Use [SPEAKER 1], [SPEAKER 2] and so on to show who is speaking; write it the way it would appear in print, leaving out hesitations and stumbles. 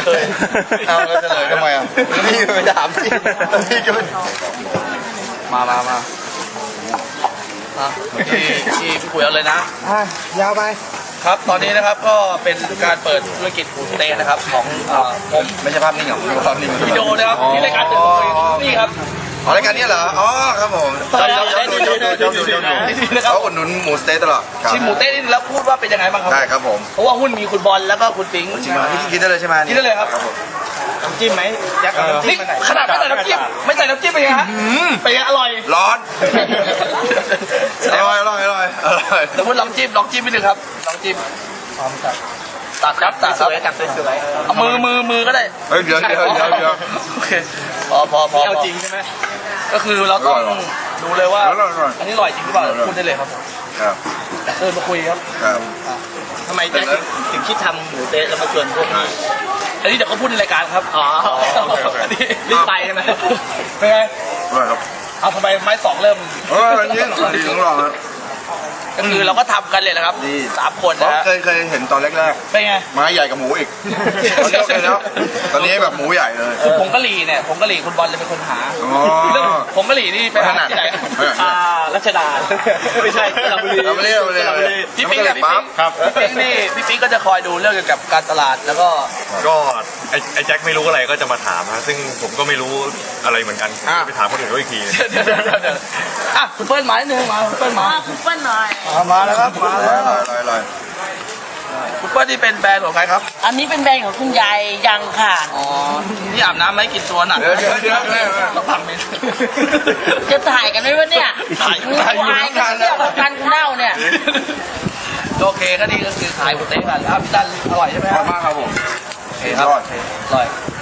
[SPEAKER 1] เคยเอาแล้วเฉลยทำไมอ่ะพี่ไปถามพี่ก็มาที่คุยเอาเลยนะ
[SPEAKER 2] ยาวไป
[SPEAKER 1] ครับตอนนี้นะครับก็เป็นการเปิดธุรกิจฟู้ดเตะนะครับของผมไม่ใช่ภาพนิ่งหรอกภาพนิ่งวิดีโอนะครับที่รายการตื่นคุยนี่ครับรายการนี้เหรออ๋อครับผมชอบเขาอุดหนุนหมูสเต๊ะตลอดชิมหมูเต๊ะนี่แล้วพูดว่าเป็นยังไงบ้างครับได้ครับผมเพราะว่าหุ้นมีคุณบอลแล้วก็คุณปิ๊งจริงไหมกินได้เลยใช่ไหมกินได้เลยครับ
[SPEAKER 2] น้ำจิ้มไหมแจ็คน้ำจิ้มไหน
[SPEAKER 1] ขนาดไม่ใส่น้ำจิ้มเป็นยังไงฮะเป็นยังอร่อยร้อนอร่อยแล้วพูดลองจิ้มนิดนึงครับลองจิ้มตัดครับสวยเอามือก็ได้เดี๋ยวโอเคพอ
[SPEAKER 2] เอาจริงใช่ไหม
[SPEAKER 1] ก็คือเราต้องดูเลยว่าอันนี้อร่อยจริงหรือเปล่าพูดได้เลยครับมาคุยครับ
[SPEAKER 2] ทำไมแจ็คถึงคิดทำหมูเต๊ะแล้วมาชวนพวกนี้
[SPEAKER 1] อันนี้เดี๋ยวเขาพูดในรายการครับ
[SPEAKER 2] อันนี้รีบไปใช่ไหม
[SPEAKER 1] เป็นไงเอาทำไมไม้สองเริ่ม
[SPEAKER 3] อันนี้ดีของเรา
[SPEAKER 1] ก็คือเราก็ทำกันเลยนะครับ3 คนนะ
[SPEAKER 3] เคยเห็นตอนแรกๆ
[SPEAKER 1] เป็นไง
[SPEAKER 3] ไม้ใหญ่กับหมูอีกตอนนี้แบบหมูใหญ่เลย
[SPEAKER 1] ผงกะหรี่เนี่ยผงกะหรี่คุณบอลจะเป็นคนหาเรื่องผงกะหรี่นี่ไปหาที่ไหน
[SPEAKER 2] รัชดาไม่ใช่สระบุรี
[SPEAKER 1] พี่ปิ๊งครับพี่ปิ๊งก็จะคอยดูเรื่องเกี่ยวกับการตลาดแล้วก็
[SPEAKER 4] ไอ้แจ็คไม่รู้อะไรก็จะมาถามนะซึ่งผมก็ไม่รู้อะไรเหมือนกันไปถามคนอื่นอีกที
[SPEAKER 1] คุณเปิ้ลมาหนึ่งมาคุณเปิ้ลมา
[SPEAKER 5] คุณเปิ้ลหน่อย
[SPEAKER 1] มาแล้วครับมาแล้วคุณเปิ้ลที่เป็นแบรนด์ของใครครับ
[SPEAKER 5] อันนี้เป็นแบรนด์ของคุณยายยังค่ะ
[SPEAKER 1] อ๋อนี่อาบน้ำไหมกินตัวหนักต้องทำเมน
[SPEAKER 5] จะถ่ายกันไหมวะเนี่ย
[SPEAKER 1] ถ่าย
[SPEAKER 5] กันเรื่องการเน่าเนี่ย
[SPEAKER 1] โอเคก็นี่ก็คือขายหมูเต๊ะกันครับพี่ดันอร่อยใช่ไหม
[SPEAKER 3] อร่อยมากครับผม
[SPEAKER 1] โอเคครับอร่อย